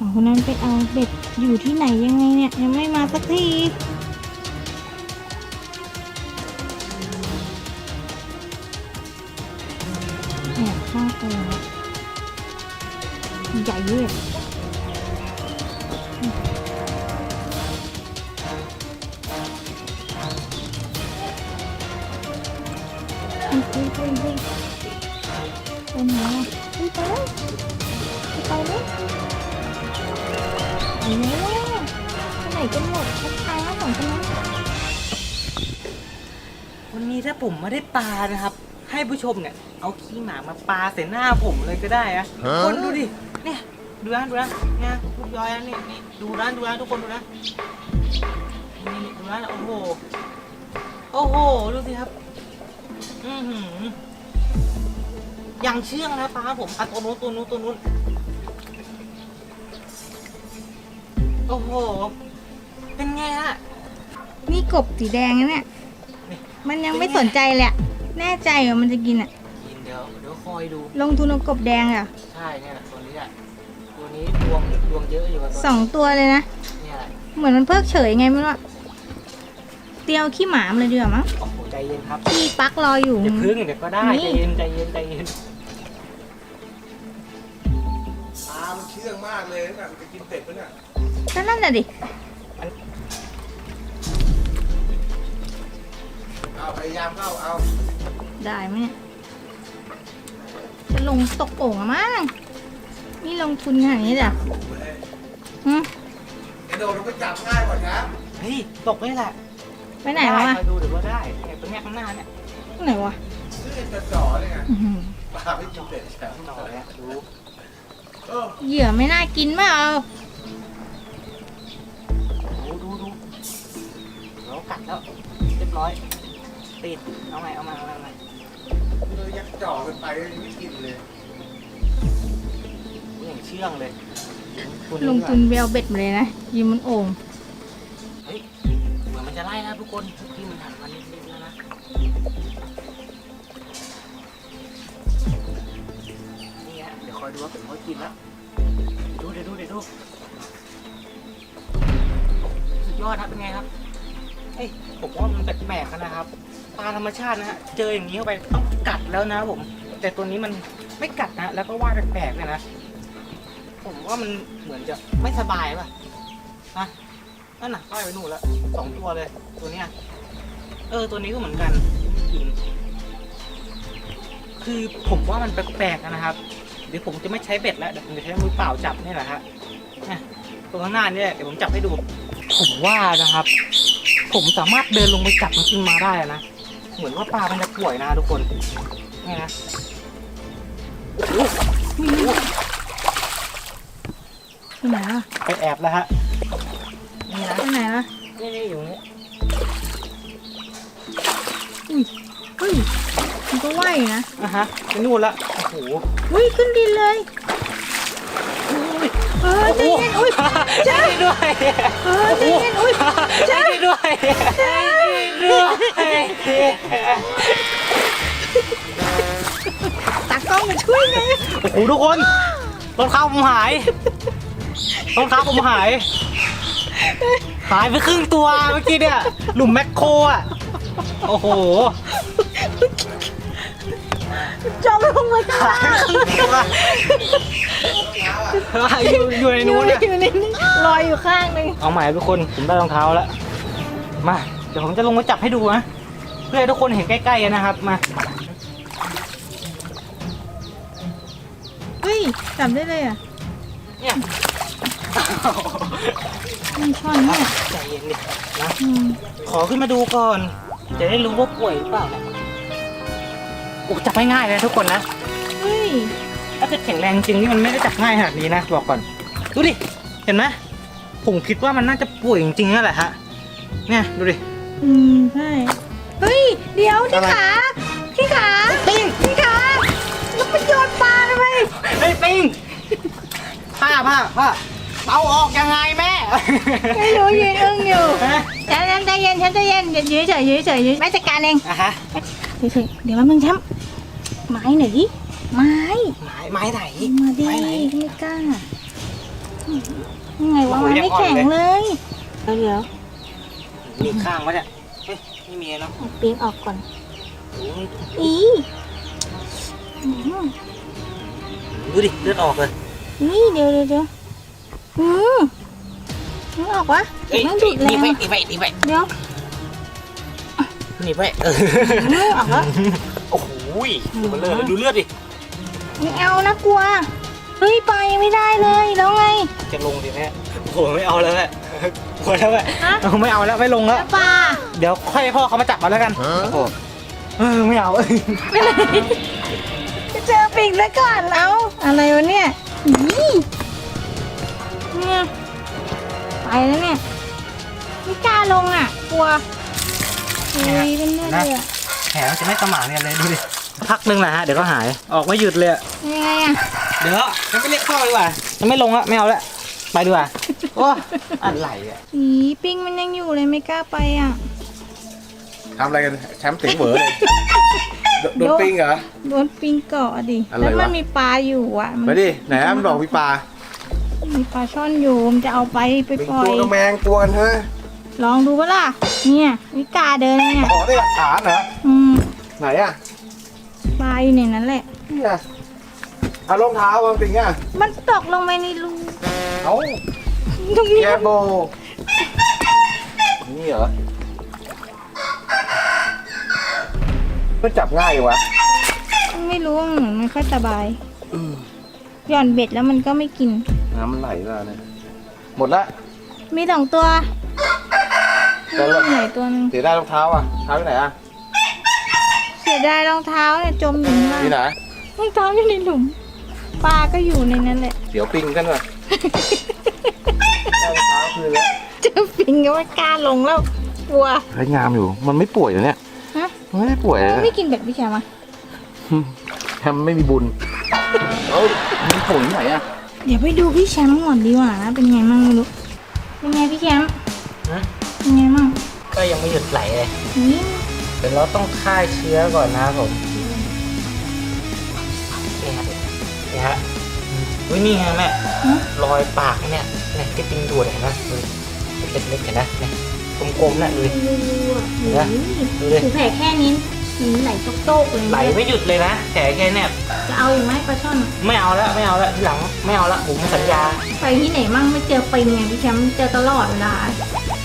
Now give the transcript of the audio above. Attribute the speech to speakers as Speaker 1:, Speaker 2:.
Speaker 1: องคนนั้นไปเอาเบ็ดอยู่ที่ไหนยังไงเนี่ยยังไม่มาสักทีเนี่ยข้างตัวใหญ่เลยเฮ้ยเป็นไงเฮ้ยไปแล้วไปแล้วไปไหนกันหมดช้าๆของคนนั้น
Speaker 2: วันนี้ถ้าผมไม่ได้ปลานะครับ ให้ผู้ชมเนี่ยเอาขี้หมามาปาใส่หน้าผมเลยก็ได้อะคนดูดิเนี่ยดูนะเนี่ยลูกย้อยนะนี่ดูนะทุกคนดูนะนี่ดูนะโอ้โหดูสิครับอย่างเชื่องนะปลาผมตัวนู้นโอ้โหเป็นไงฮะ
Speaker 1: นี่กบสีแดงนะเนี่ยมันยังไม่สนใจเลยอะแน่ใจเหรอมันจะกินอ่ะ
Speaker 2: กินเดี๋ยวคอยดู
Speaker 1: ลงทุนเอากบแดงอ่ะ
Speaker 2: ใช่เนี่ยตัวนี้แหละตัวนี้ดวงเยอะอยู่
Speaker 1: สองตัวเลยนะ
Speaker 2: เนี่ย
Speaker 1: เหมือนมันเพิกเฉยไงไม่รู้อะเตียวขี้หมามเลยดีกว่ามั้ง
Speaker 2: โอ้โหใจเย็นครับ
Speaker 1: พี่ปักรออยู่
Speaker 2: อย่าพึ่งเดี๋ยวก็ได้ใจเย็น
Speaker 3: ปลามันเชื่องมากเลยนะมันจะกินเป็ดปะเนี่ย
Speaker 1: นั่นน่ะดิ
Speaker 3: เอาพยายามเข้าเอา
Speaker 1: ได้ไหมเนี่ยจะลงตกโอ่งอะมั้งนี่ลงทุนขนาดนี้จ้ะ
Speaker 3: ไอ้โดนเราไปจับง่ายกว่าครับ
Speaker 2: เฮ้ยตกนี่แหละ
Speaker 1: ไปไหนวะ
Speaker 2: มาดูเดี๋ยวว่าได้เนี่ยตรงนี้ข้างหน้าเนี่ย
Speaker 1: ไหนวะ
Speaker 3: นี่จะจ่อเลยไงปลาไม่กินเป็ดแล้ว
Speaker 2: จ่อเลยดู
Speaker 1: เหยื่อไม่น่ากินมาก
Speaker 2: ดูแล้วกัดแล้วเรียบร้อยติดเอาใหม่
Speaker 3: เลยยักจ่อกันไปไม่กินเลย
Speaker 2: อย่างเชื่องเลย
Speaker 1: ลงทุนไปเอาเบ็ดมาเลยนะยิงมันโอ่ง
Speaker 2: เฮ้ยเหมือนมันจะไล่นะทุกคนที่มันหันมานิดแล้วนะนี่ฮะเดี๋ยวคอยดูว่าเป็นเขากินแล้วดูสุดยอดครับเป็นไงครับเฮ้ยผมว่ามันแปลกๆนะครับปลาธรรมชาตินะฮะเจออย่างนี้เข้าไปต้องกัดแล้วนะผมแต่ตัวนี้มันไม่กัดนะแล้วก็ว่ายแปลกๆเลยนะผมว่ามันเหมือนจะไม่สบายป่ะฮะนั่นน่ะว่ายไปนู่นแล้ว2 ตัวเลยตัวเนี้ยตัวนี้ก็เหมือนกันกินคือผมว่ามันแปลกๆนะครับเดี๋ยวผมจะไม่ใช้เบ็ดแล้วเดี๋ยวผมจะใช้มือเปล่าจับนี่แหละฮะตัวข้างหน้านี่เดี๋ยวผมจับให้ดูผมว่านะครับผมสามารถเดินลงไปจับมันขึ้นมาได้นะเหมือนว่าปลามันจะป่วยนะทุกคนนี่นะ
Speaker 1: ที่ไหนอ่ะ
Speaker 2: ไปแอบแล้วฮะนี่นะ
Speaker 1: ที่ไหนอ่ะ
Speaker 2: นี่อยู่นี่
Speaker 1: เฮ้ยมันก็ว่ายนะ
Speaker 2: ไปนู่นละโอ้โห
Speaker 1: ขึ้นดินเลยใจเย็นใช่
Speaker 2: ด้วย
Speaker 1: ใจเย็น
Speaker 2: ใช่ด้วย
Speaker 1: ตากล้องมาช่วยไง
Speaker 2: โอ้โหทุกคนรองเท้าผมหายไปครึ่งตัวเมื่อกี้เนี่ยหลุมแมคโครอ่ะโอ้โห
Speaker 1: จมลงมาข้างล่าง
Speaker 2: อยู่ในนู้น
Speaker 1: ลอยอยู่ข้างนึง
Speaker 2: เอาใหม่ทุกคนผมได้รองเท้าแล้วมาเดี๋ยวผมจะลงมาจับให้ดูนะเพื่อให้ทุกคนเห็นใกล้ๆกันนะครับมา
Speaker 1: เฮ้ยจับได้เลยอ่ะ
Speaker 2: เนี่ย
Speaker 1: มันช่อนเนี่ย
Speaker 2: ใจเย็นดินะขอขึ้นมาดูก่อนจะได้รู้ว่าป่วยหรือเปล่านะโอ้จับง่ายๆเลยทุกคนนะ
Speaker 1: เฮ้ย
Speaker 2: ถ้าเกิดแข็งแรงจริงนี่มันไม่ได้จับง่ายขนาดนี้นะบอกก่อนดูดิเห็นไหมผมคิดว่ามันน่าจะป่วยจริงๆนั่นแหละฮะเนี่ยดูดิ
Speaker 1: ใช่เฮ้ยเดี๋ยวที่ขา
Speaker 2: ปิ้ง
Speaker 1: ที่ขาแล้วไปโยนปลาทำไม
Speaker 2: ไอ้ปิ้งผ้าเอาออกยังไงแม่
Speaker 1: ไม่รู้ยืนอึ้งอยู่ใจเย็นยื้อเฉยแม่จัดการเองเฉยเดี๋ยวมันแชมป์ไม้ไหนดิไม้
Speaker 2: ไหน
Speaker 1: มาดิไม่กล้ายังไงวะมันไม่แข็งเลยเดี๋ยว
Speaker 2: มีข้างวะเนี่ยเฮ้ยไม่มีเนาะ
Speaker 1: เอาปีกออกก่อน
Speaker 2: โอ้ย
Speaker 1: อีอืม
Speaker 2: ดูดิเลือดออกเลย
Speaker 1: นี่เดี๋ยวอืมนึกออกวะ
Speaker 2: เอ้ย
Speaker 1: ไม่ดูดแร
Speaker 2: นี่
Speaker 1: ง
Speaker 2: ไป
Speaker 1: อะ
Speaker 2: นี่ไปนี่ไป
Speaker 1: เดี๋ยว
Speaker 2: นี่ไป
Speaker 1: ออกแล้ว
Speaker 2: โอ้โหดูมันเลือดดูเลือดดิ
Speaker 1: ไม่เอานะกลัวเฮ้ยไปไม่ได้เลยแล้วไง
Speaker 2: จะลงดิแม่โอ้โหไม่เอาแล้วแหละกลัวแล้วแหละ
Speaker 1: ฮะ
Speaker 2: ไม่เอาแล้วไม่ลงแล้ว
Speaker 1: แล้วปลา
Speaker 2: เดี๋ยวค่อยให้พ่อเขามาจับมาแล้วกันโอ้โหไม่เอา
Speaker 1: จะเจอปิงแล้วก่อนเอาอะไรวะเนี่ยนี่เนี่ยไปแล้วเนี่ยไม่กล้าลงอ่ะกลัวเฮ้ยเป็นเลือดเลยอะ
Speaker 2: แผลมันจะไม่สมานกันเลยดูดิพักนึงแหละฮะเดี๋ยวก็หายออกไม่หยุดเลยอะ
Speaker 1: ยังไงอ่ะ
Speaker 2: เดี๋ยวจะไม่เรียกพ่อดีกว่าจะไม่ลงแล้วไม่เอาแล้วไปดีกว่าโอ้อะไรอ่ะ
Speaker 1: อีปิงมันยังอยู่เลยไม่กล้าไปอ่ะ
Speaker 3: ทำอะไรกันแชมป์ติ๋งเหวอเลยโดนปิ้งเหรอ
Speaker 1: โดนปิงเกาะดิ
Speaker 3: อะไรวะ
Speaker 1: แล้วมันมีปลาอยู่อ่ะ
Speaker 3: ไปดิไหนอะมันบอกพี่ปลา
Speaker 1: มีปลาช่อนอยู่มันจะเอาไป
Speaker 3: ปิง
Speaker 1: ปล่อ
Speaker 3: ตั
Speaker 1: ยว
Speaker 3: กระแมงตัวกันเฮ้ย
Speaker 1: ลองดูปะล่ะเนี่ยวิกาเดินเนี่ย
Speaker 3: ขอได้หลักฐานเหรอ ไหนอะ
Speaker 1: ปลาอยู่ในนั้นแหละ
Speaker 3: เนี่ยเอารองเท้าวางติงอ่ะ
Speaker 1: มันตกลงไปในรู
Speaker 3: เอา
Speaker 1: ตรงนี้
Speaker 3: แกโบนี่เหรอมันจับง่ายอยู่วะ
Speaker 1: ไม่รู้ว่าเหมือนไม่ค่อยสบายหย่อนเบ็ดแล้วมันก็ไม่กิน
Speaker 3: น้ำมันไหลแล้วเนี่ยหมดละ
Speaker 1: มีสองตัว
Speaker 3: แต่ละ
Speaker 1: ไหนตัวหนึง
Speaker 3: เสียได้รองเท้าอ่ะเท้าที่ไหนอ่ะ
Speaker 1: เสียดายรองเท้าเนี่ยจมอยู่ข้างล่าง
Speaker 3: ที่ไหน
Speaker 1: รองเท้าอยู่ในหลุมปลาก็อยู่ในนั้นแหละ
Speaker 3: เดี๋ยวปิ้งกันว่ะได้รองเท้าคืนแล้ว
Speaker 1: เจอปิงก็ไม่กล้าลงแล้วกลัว
Speaker 3: เฮ้ยงามอยู่มันไม่ป่วยเหรอเนี่ย
Speaker 1: ฮะ
Speaker 3: มันไม่ได้ป่วยเลย
Speaker 1: ไม่กินเบ็ดพี่แชมป์อะ
Speaker 3: แฮมไม่มีบุญเอ้ยมีป่วยที่ไหนอ่ะ
Speaker 1: เดี๋ยวไปดูพี่แชมป์ก่อนดีกว่านะเป็นไงมั่งไม่รู้เป็นไงพี่แชมป์
Speaker 2: ฮะ
Speaker 1: เป็นไงมั่ง
Speaker 2: ก็ยังไม่หยุดไหลเลย
Speaker 1: นี่
Speaker 2: เดี๋ยวเราต้องฆ่าเชื้อก่อนนะครับผมนี่ฮะนี่ฮะอุ้ยนี่ไงแม่รอยปากเนี่ยเนี่ยที่ปิงดูดเห็นไหมดูเล็กๆเห็นไหมเนี่ยกลมๆน่ะดูดิ
Speaker 1: ดูอ่ะ
Speaker 2: ดูดิ
Speaker 1: ถูแผลแค่นี้หินไหลโต๊กๆเลย
Speaker 2: ไหลไม่หยุดเลยนะแต่แค่เนี่ย
Speaker 1: จะเอาอีกไหมปลาช่อน
Speaker 2: ไม่เอาแล้วไม่เอาแล้วทีหลังไม่เอาแล้วผมสัญญา
Speaker 1: ไปที่ไหนมั่งไม่เจอปิงไงพี่แชมป์เจอตลอดเวลา